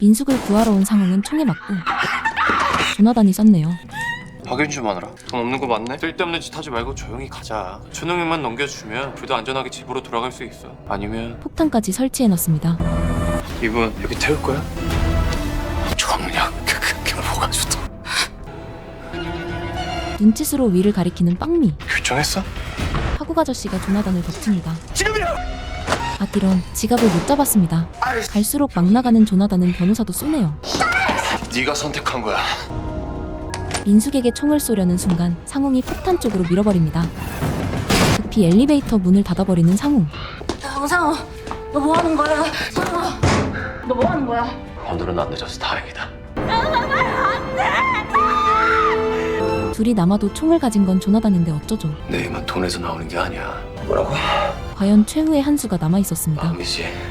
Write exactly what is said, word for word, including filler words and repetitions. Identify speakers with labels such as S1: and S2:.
S1: 민숙을 구하러 온 상웅은 총에 맞고 조나단이 썼네요.
S2: 확인 좀 하느라. 돈 없는 거 맞네? 쓸데없는 짓 하지 말고 조용히 가자. 준호형만 넘겨주면 둘 다 안전하게 집으로 돌아갈 수 있어. 아니면
S1: 폭탄까지 설치해놨습니다.
S2: 이분 여기 태울 거야? 정략 그게 뭐가 좋다.
S1: 눈짓으로 위를 가리키는 빵미.
S2: 결정했어?
S1: 하국 아저씨가 조나단을 덮칩니다.
S2: 지금이야!
S1: 아띠런 지갑을 못 잡았습니다. 갈수록 막 나가는 조나단은 변호사도 쏘네요.
S2: 네가 선택한 거야.
S1: 민숙에게 총을 쏘려는 순간 상웅이 폭탄 쪽으로 밀어버립니다. 급히 엘리베이터 문을 닫아버리는 상웅.
S3: 상호, 너 뭐 하는 거야? 상호, 너 뭐 하는 거야?
S2: 오늘은 안 늦어서 다행이다.
S1: 둘이 남아도 총을 가진 건 조나단인데 어쩌죠?
S2: 내 힘은 돈에서 나오는 게 아니야. 뭐라고?
S1: 과연 최후의 한 수가 남아있었습니다.
S2: 마음이지.